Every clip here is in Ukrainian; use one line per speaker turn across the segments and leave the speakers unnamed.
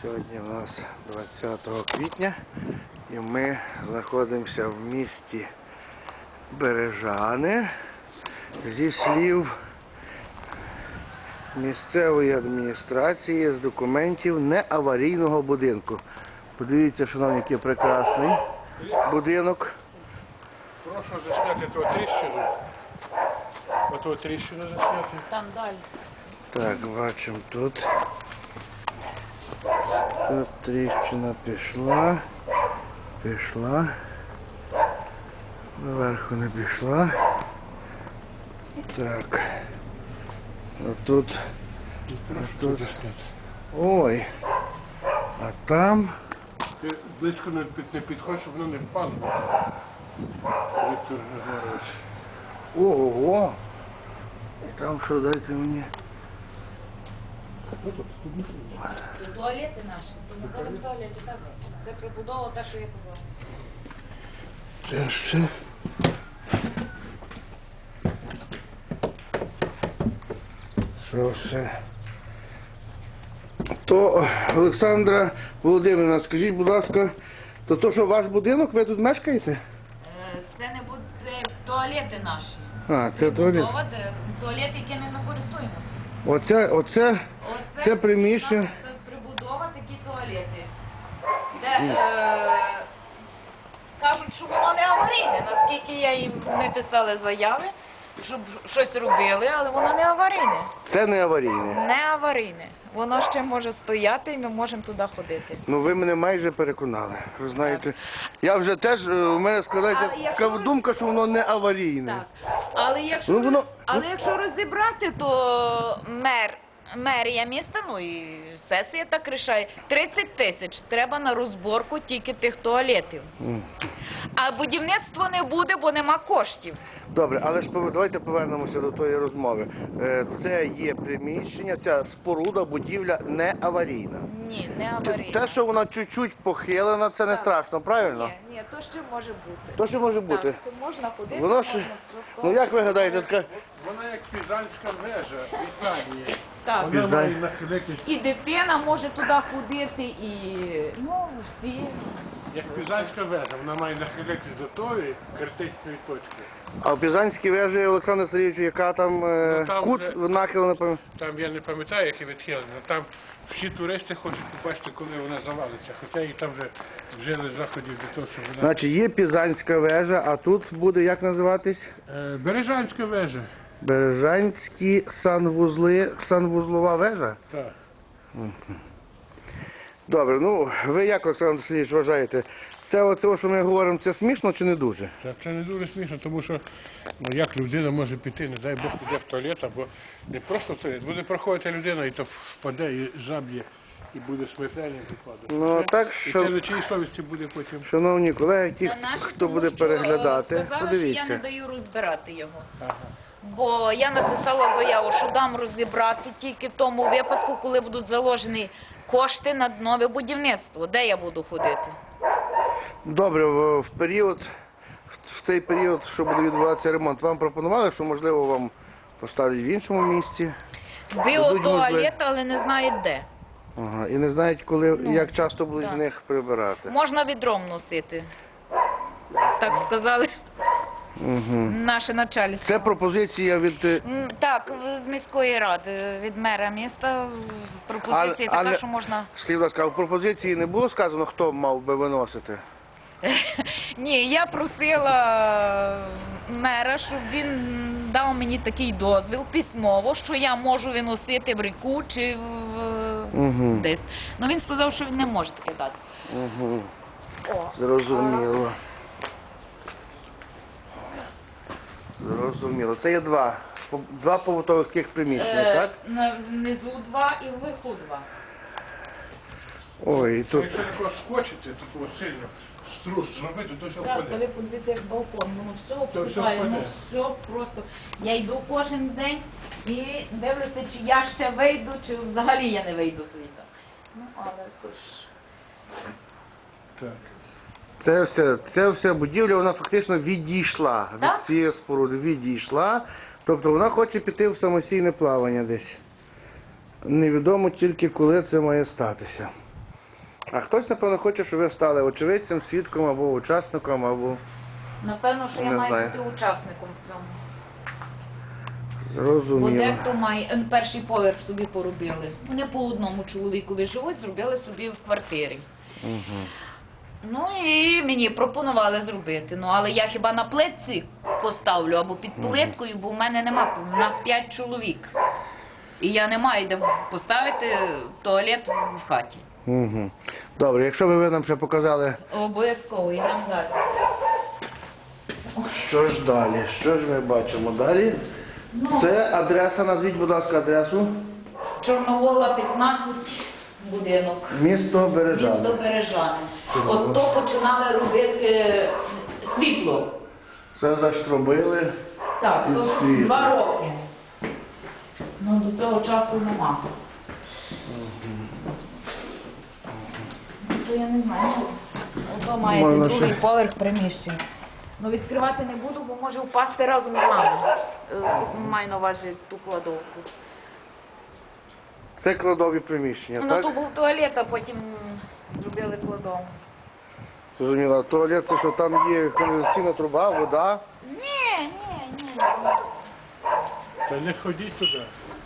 Сьогодні у нас 20 квітня і ми знаходимося в місті Бережани. Зі слів місцевої адміністрації з документів неаварійного будинку. Подивіться, шановні, який прекрасний будинок.
Прошу засняти ту тріщину. Оту тріщину засняти.
Там далі.
Так, бачимо тут. Тут тріщина пішла. Наверху не пішла. Так. Отут. Ой. А там.
Ти близько не підходь, щоб воно не впало. Віктор Григорович.
Ого! Там що, дайте мені.
Це туалети наші. Це не ходимо в туалеті, так? Це прибудова та, що я казала.
Це ще. Це все. То, Олександра Володимирівна, скажіть, будь ласка, то що ваш будинок, ви тут мешкаєте?
Це не буде, це туалети наші.
А, це туалет.
Прибудова, туалет, який ми не користуємося.
Оце це приміщення.
Це прибудова, такі туалети. Де, кажуть, що воно не аварійне, наскільки я їм не писали заяви, щоб щось робили, але воно не аварійне.
Це не аварійне.
Не аварійне. Воно ще може стояти і ми можемо туди ходити.
Ну ви мене майже переконали. Ви знаєте, я вже теж, у мене складається така думка, що воно не аварійне.
Так. Але якщо розібрати, то мерія міста, ну і сесія так рішає, 30 тисяч треба на розборку тільки тих туалетів. А будівництво не буде, бо нема коштів.
Добре, але ж давайте повернемося до тої розмови. Це є приміщення, ця споруда, будівля не аварійна.
Ні, не аварійна.
Те, що вона чуть-чуть похилена, це не страшно, правильно?
Ні, то ще може бути.
То ще може бути.
Так, то можна ходити,
Воно ще... Ну як ви гадаєте, така...
Вона як пізанська вежа в Іспанії.
Так.
Вона має нахилитись,
І дитина може туди ходити, і всі.
як пізанська вежа, вона має нахилитись до тої критичної точки.
А в Пізанській вежі, Олександр Сергійович, яка там,
там
кут
вже-
нахилена, напевно?
Там я не пам'ятаю, які відхилення, але там всі туристи хочуть побачити, коли вона завалиться. Хоча і там вже вжили заходів для того, щоб вона...
Значить, є Пізанська вежа, а тут буде як називатись?
Бережанська вежа.
Бережанські санвузлова вежа?
Так.
Добре, ну ви як, Олександр Сергійович, вважаєте? Це оце, що ми говоримо, це смішно чи не дуже?
Це не дуже смішно, тому що ну, як людина може піти, не дай Бог, піде в туалет, або не просто в туалет, буде проходити людина і то впаде, і заб'є, і буде смертельний випадок.
Ну, так,
І
що...
це на чиїй совісті буде потім.
Шановні колеги, ті, хто буде переглядати,
Сказали, що я
подивіться.
не даю розбирати його.
Ага.
Бо я написала заяву, що дам розібрати тільки в тому випадку, коли будуть заложені кошти на нове будівництво. Де я буду ходити?
Добре, в цей період, що буде відбуватися ремонт, вам пропонували, що можливо вам поставлять в іншому місці?
Біотуалет, але не знають де.
Ага, і не знають, коли,
Ну,
як часто будуть
так.
з них прибирати.
Можна відром носити. Так сказали
Угу.
наше начальство.
Це пропозиція від...
Так, з міської ради, від мера міста, пропозиція така, що можна...
Скажіть, будь ласка, а в пропозиції не було сказано, хто мав би виносити?
Ні, я просила мера, щоб він дав мені такий дозвіл письмово, що я можу виносити в ріку чи десь. Ну він сказав, що він не може таке дати.
Угу. Зрозуміло. Зрозуміло. Це є два побутових приміщення, так?
Внизу 2 і вверху 2.
Ой, і тут...
Якщо такого скочити, такого сильно, струс зробити, то все
Так,
впаде.
коли подивитися як балкон, ну все
То все
впадає, ну
впаде.
все просто. Я йду кожен день і дивлюся, чи я ще вийду, чи взагалі я не вийду звідти. Ну, але то ж...
Так.
Це все будівля, вона фактично відійшла від
Так?
цієї споруди, відійшла. Тобто вона хоче піти в самостійне плавання десь. Невідомо тільки, коли це має статися. А хтось, напевно, хоче, щоб ви стали очевидцем, свідком або учасником, або...
Напевно, що я
Не
маю
знаю.
бути учасником в цьому. Бо
Зрозуміло.
дехто має перший поверх собі поробили. Вони по одному чоловікові живуть, зробили собі в квартирі.
Угу.
Ну і мені пропонували зробити. Ну але я хіба на плитці поставлю або під плиткою, бо в мене нема, у нас 5 чоловік. І я не маю де поставити туалет в хаті.
Угу. Добре, якщо ви нам ще показали,
Обов'язково, йдемо далі.
що ж далі? Що ж ми бачимо далі?
Ну,
Це адреса, назвіть, будь ласка, адресу.
Чорновола 15, будинок.
Місто Бережани.
Місто Бережани.
Чудово.
От то починали робити світло.
Це заштробили.
Так,
І
то
світло.
2 роки. Ну до цього часу нема. Ну, то я не знаю. Ото має
Можна
другий
ще.
поверх приміщення. Ну відкривати не буду, бо може впасти разом з вами. Маю на увазі ту кладовку.
Це кладові приміщення,
Ну
так?
то був туалет, а потім зробили кладовку.
Зрозуміло. Туалет, це що там є каналізаційна труба, вода.
Ні.
Та не ходіть туди.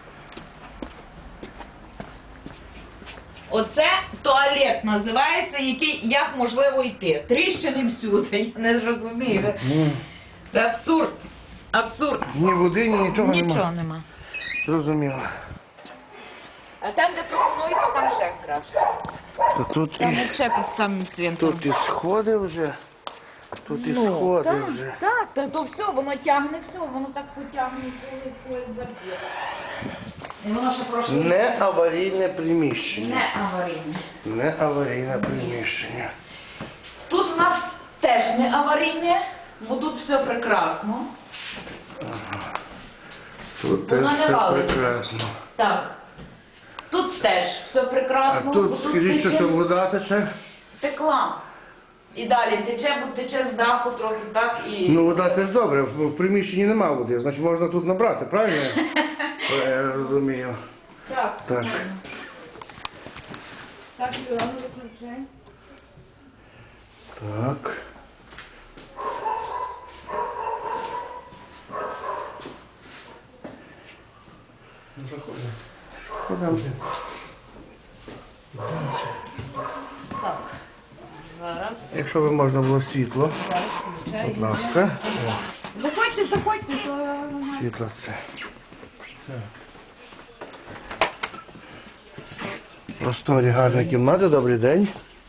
Оце туалет називається, який як можливо йти. Тріщини всюди. Я не зрозумію. Це абсурд. Абсурд.
Ні води, ні нічого
Нічого
немає.
нема.
Зрозуміло.
А там, де пропонують, то там ще краще.
То тут
Там
і,
ще під самим цвинтом.
тут і сходи вже. Тут і сходи
так,
вже.
так, то все, воно тягне все, воно так потягне, коли заб'є. І воно ще прошло.
Не аварійне приміщення.
Не аварійне.
Не аварійне приміщення.
Тут у нас теж не аварійне, бо тут все прекрасно.
Ага. Тут теж
Воно не
все
валить.
прекрасно.
Так. Тут теж все
А
прекрасно.
тут,
бо
скажіть, що
тече
вода тече?
текла. І далі тече, бо тече з даху трохи так і...
Ну, вода теж добре, в приміщенні нема води, значить можна тут набрати, правильно? Я розумію.
Так.
Так.
Так, Юра, ну виключай.
Так.
Ну, заходимо.
Ходимо.
Так. Зараз.
Якщо би можна було світло,
Зараз включаю.
будь ласка.
Заходьте, заходьте, то...
Світло це.
Так.
Просторі гарні кімнати, добрий день.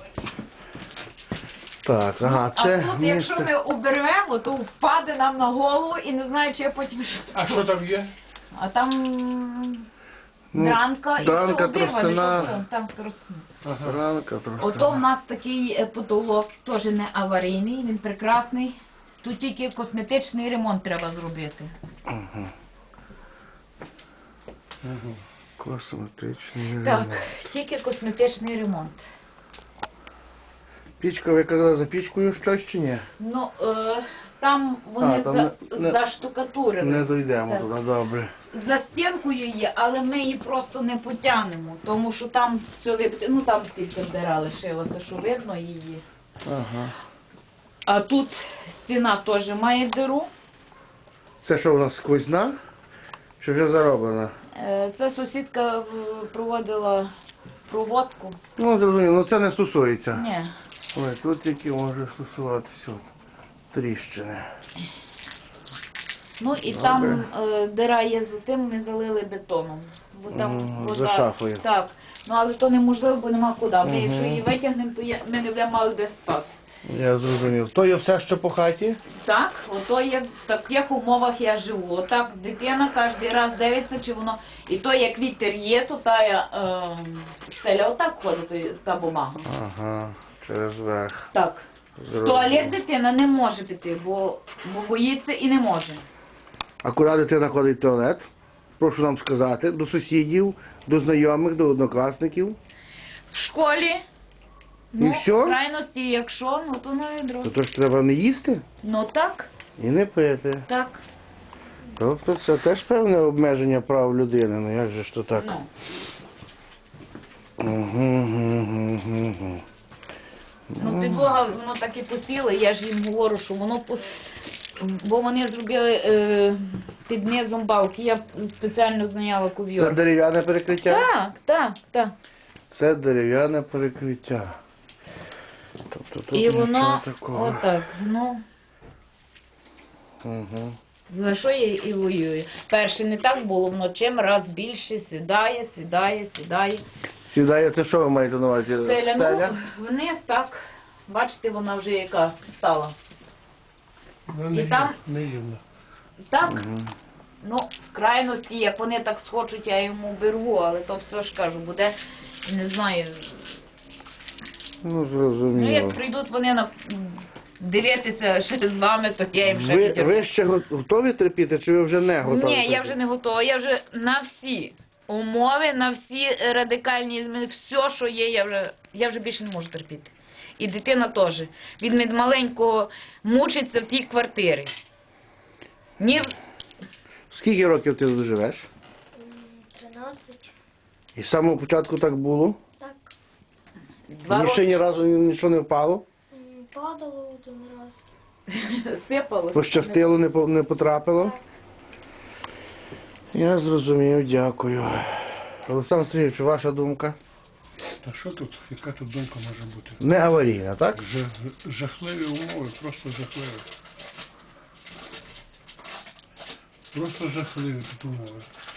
Так, ага,
А
це
тут, якщо
місце.
ми обервемо, то впаде нам на голову і не знаю, чи я потім...
А що там є?
А там
Ну,
дранка і
дранка,
все обірване,
тростина.
що там тростина.
Ага.
Ранка трошки.
Ото в нас такий потолок, теж не аварійний, він прекрасний. Тут тільки косметичний ремонт треба зробити.
Ага.
Ага.
Косметичний
Так,
ремонт.
тільки косметичний ремонт.
Пічка, ви казали за пічкою щось чи ні?
Ну, там вони
там не-
заштукатурили.
Не дійдемо
Так.
туди, добре.
За стінкою є, але ми її просто не потягнемо, тому що там все ну там стільки вдирали, шилося, що видно її.
Ага.
А тут стіна теж має диру.
Це що у нас сквозна? Чи вже зароблена?
Це сусідка проводила проводку.
Ну, зрозуміло, ну це не стосується.
Ні.
Ой, тут тільки може стосуватися от тріщини.
Ну і
Добре.
там дира є за тим, ми залили бетоном. Бо там
Мгм, за шафою.
Так. Ну але то неможливо, бо нема куди. Ми
Мгм.
якщо її витягнемо, то ми не будемо мали де спати.
Я зрозумів. То є все, що по хаті?
Так, ото є в таких умовах я живу. Отак дитина кожен раз дивиться, чи воно. І то як вітер є, то та стеля отак ходить та бумага.
Ага, через верх.
Так. В
Зрозумів.
туалет дитина не може піти, бо боїться і не може.
А куди дитина ходить в туалет? Прошу нам сказати. До сусідів, до знайомих, до однокласників.
В школі.
І всьо?
В крайності, якщо, ну то на відро.
То ж треба не їсти
Ну так,
і не пити.
так.
Тобто це теж певне обмеження прав людини. Ну як же ж то так?
Ну.
Угу.
підлога, воно так і посіло, я ж їм говорю, що воно бо вони зробили під низом балки, я спеціально зняла
Це
ковйор.
дерев'яне перекриття?
Так.
Це дерев'яне перекриття. Тобто тут
І
нічого
воно
такого.
отак, ну,
Угу.
за що я і воюю. Перше не так було, воно чим раз більше сідає.
Сідає, це що ви маєте на увазі?
Стеля,
Стеля?
ну, вниз так, бачите, вона вже яка стала.
Ну,
І там-
неївно.
Так,
Мгм.
ну, в крайності, як вони так схочуть, я йому беру, але то все ж кажу, буде, не знаю.
Ну,
Ну,
зрозуміло.
як прийдуть вони на дивитися ще з вами, то я їм ще
Ви,
підірву.
ви ще готові терпіти, чи ви вже не готові?
Ні, я
терпіти?
вже не готова. Я вже на всі умови, на всі радикальні зміни, все, що є, я вже більше не можу терпіти. І дитина теж. Він від маленького мучиться в тій квартирі. Ні,
Скільки років ти тут живеш?
13.
І з самого початку так було?
Так.
2
Ні ще
роки
ні разу нічого не впало?
Падало один раз.
сипалося.
Пощастило, не потрапило? Я зрозумів, дякую. Олександр Сергійович, ваша думка?
Та що тут, яка тут думка може бути?
Не аварійна, так?
Жахливі умови, просто жахливі. Просто жахливі тут умови.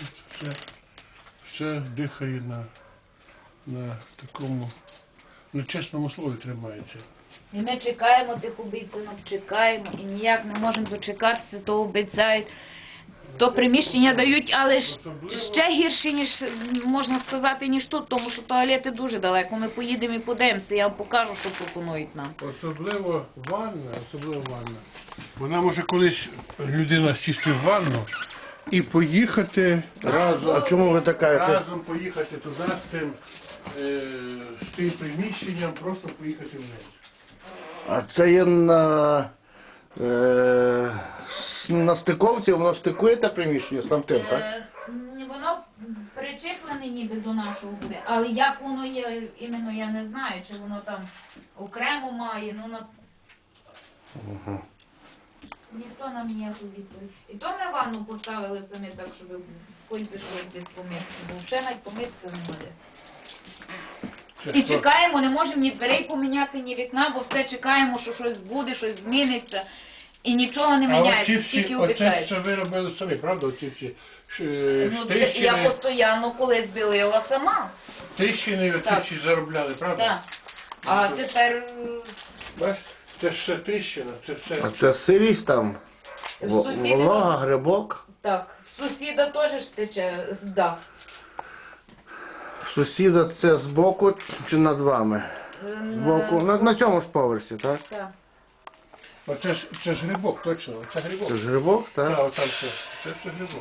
Все дихає на такому нечесному слові тримається.
І ми чекаємо тих обіцянок, чекаємо і ніяк не можемо дочекатися, то обіцяють. То приміщення дають, але ще гірше, ніж можна сказати, ніж тут, тому що туалети дуже далеко. Ми поїдемо і подивимося, я вам покажу, що пропонують нам.
Особливо ванна. Вона може колись людина сісти в ванну і поїхати
А чому ви така?
разом поїхати туди з тим приміщенням, просто поїхати вниз.
А це є на стиковці, воно стикує те приміщення з тамтим, так?
Воно причеплене ніби до нашого буде, але як воно є, іменно я не знаю, чи воно там окремо має, ну на...
Угу.
Ніхто нам ніяку відповідь. І то ми ванну поставили самі так, щоб хоч би щось десь помитися, бо ще навіть помитися немає. І чекаємо, не можемо ні дверей поміняти, ні вікна, бо все чекаємо, що щось буде, щось зміниться. І нічого не міняється, тільки
оце
обіцяють.
все ви робили самі, правда? Оці всі
Ну, я постійно колись білила сама.
тріщини, оці
Так.
всі заробляли, правда?
Так. А тепер
Бачиш, це ж все тріщина, це все.
А це сирість там?
Сусіди-
Волога, грибок?
так, сусіда теж ж тече з дах.
Сусіда це збоку чи над вами? Збоку. На цьому ж поверсі, так?
Так.
Це ж грибок, точно, це грибок.
Це ж грибок,
Так,
так?
отам це грибок.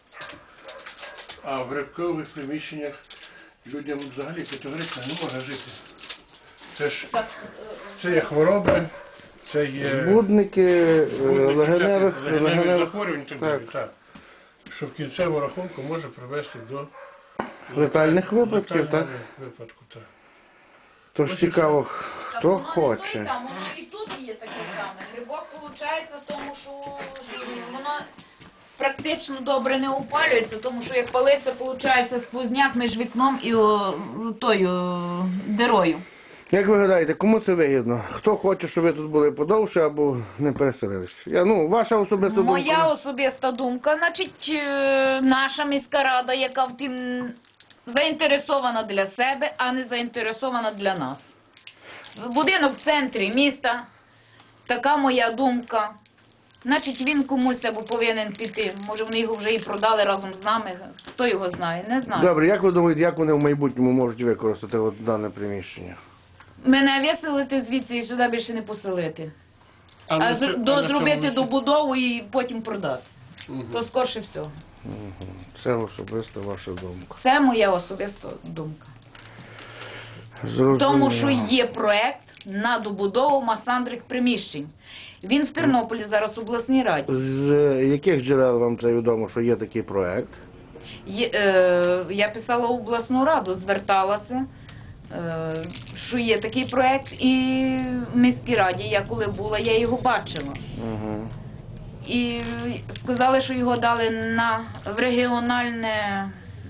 А в грибкових приміщеннях людям взагалі категорично не можна жити. Це ж
Так,
це є хвороби, це є
Збудники, легеневих
легеневих захворювань і так далі.
так.
Так. Що в кінцевому рахунку може привести до
Летальних випадків, так?
випадку, так.
Тож цікаво,
так
хто
воно не
хоче.
той там, воно і тут є таке саме. Грибок виходить в тому, що воно практично добре не опалюється, тому що як палиться, виходить сквозняк між вікном і тою дирою.
Як ви гадаєте, кому це вигідно? Хто хоче, щоб ви тут були подовше або не переселились? Ваша особиста думка?
Моя особиста думка, значить, наша міська рада, яка в тим заінтересована для себе, а не заінтересована для нас. Будинок в центрі міста, така моя думка. Значить, він комусь або повинен піти. Може, вони його вже і продали разом з нами. Хто його знає? Не знаю.
Добре, як ви думаєте, як вони в майбутньому можуть використати дане приміщення?
Мене виселити звідси і сюди більше не поселити. А зробити добудову і потім продати. То скорше всього.
Угу. Це особиста ваша думка.
Це моя особиста думка.
Зрозуміло.
Тому що є проект на добудову масандрих приміщень. Він в Тернополі зараз в обласній раді.
З яких джерел вам це відомо, що є такий проект?
Я писала в обласну раду, зверталася. що є такий проект, і в міській раді, я коли була, я його бачила.
Угу.
І сказали, що його дали в регіональне,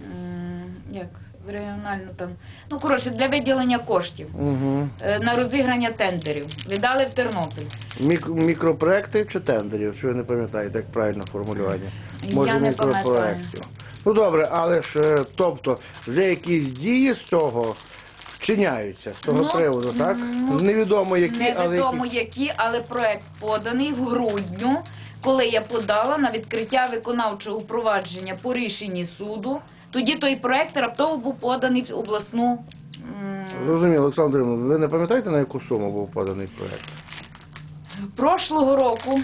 в регіональну там, ну, коротше, для виділення коштів,
Угу.
на розіграння тендерів. Віддали в Тернопіль.
Мікропроекти чи тендерів? Чи ви не пам'ятаєте, як правильно формулювання?
Я не пам'ятаю.
Ну добре, але ж, тобто, вже якісь дії з цього вчиняються, з того
Ну,
приводу, так?
ну,
Невідомо які, але
Невідомо
які.
які, але проект поданий в грудню, коли я подала на відкриття виконавчого провадження по рішенні суду. Тоді той проект раптово був поданий в обласну.
Зрозуміло, Олександр Іванович, ви не пам'ятаєте, на яку суму був поданий проект?
Прошлого року.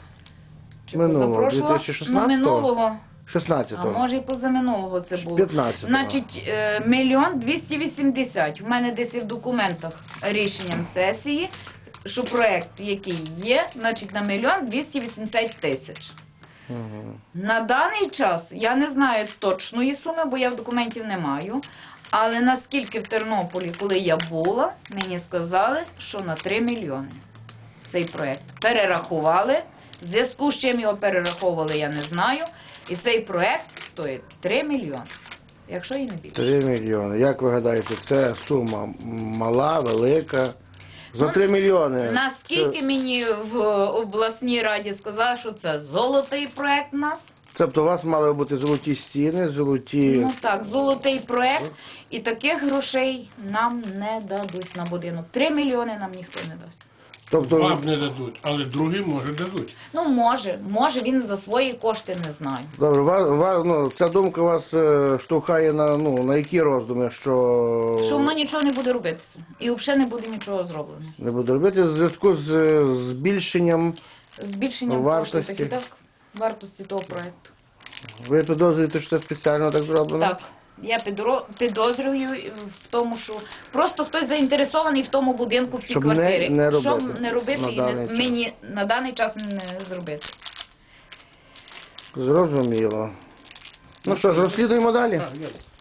Чи
Минулого,
позапрошлого?
2016-го?
Ну, минулого.
16-го.
А може і позаминулого це було.
15-го.
Значить, 1 280 000. У мене десь і в документах рішенням сесії, що проект, який є, значить на 1 280 000.
Угу.
На даний час я не знаю точної суми, бо я в документів не маю. Але наскільки в Тернополі, коли я була, мені сказали, що на 3 мільйони цей проект перерахували. В зв'язку з чим його перераховували, я не знаю. І цей проект стоїть 3 мільйони, якщо і не більше.
3 мільйони. Як ви гадаєте, це сума мала, велика? За
Ну,
3 мільйони.
Наскільки мені в обласній раді сказали, що це золотий проект у нас.
Тобто у вас мали бути золоті стіни, золоті...
Ну так, золотий проект. І таких грошей нам не дадуть на будинок. 3 мільйони нам ніхто не дасть.
Тобто,
Вам не дадуть, але другим, може, дадуть.
Ну, може, він за свої кошти не знає.
добре, ну, ця думка вас штовхає на які роздуми, що...
Що воно нічого не буде робитися. І взагалі не буде нічого зроблено.
Не буде робити в зв'язку з збільшенням...
Збільшенням
Вартості.
коштів, так і так, вартості того проекту.
Ви підозрюєте, що це спеціально так зроблено?
Так, я підозрюю в тому, що просто хтось заінтересований в тому будинку, в тій
Щоб
квартирі.
не робити
Щоб не робити
на
і
даний час.
мені на даний час не зробити.
Зрозуміло. Ну що ж, розслідуємо далі?
Так, є.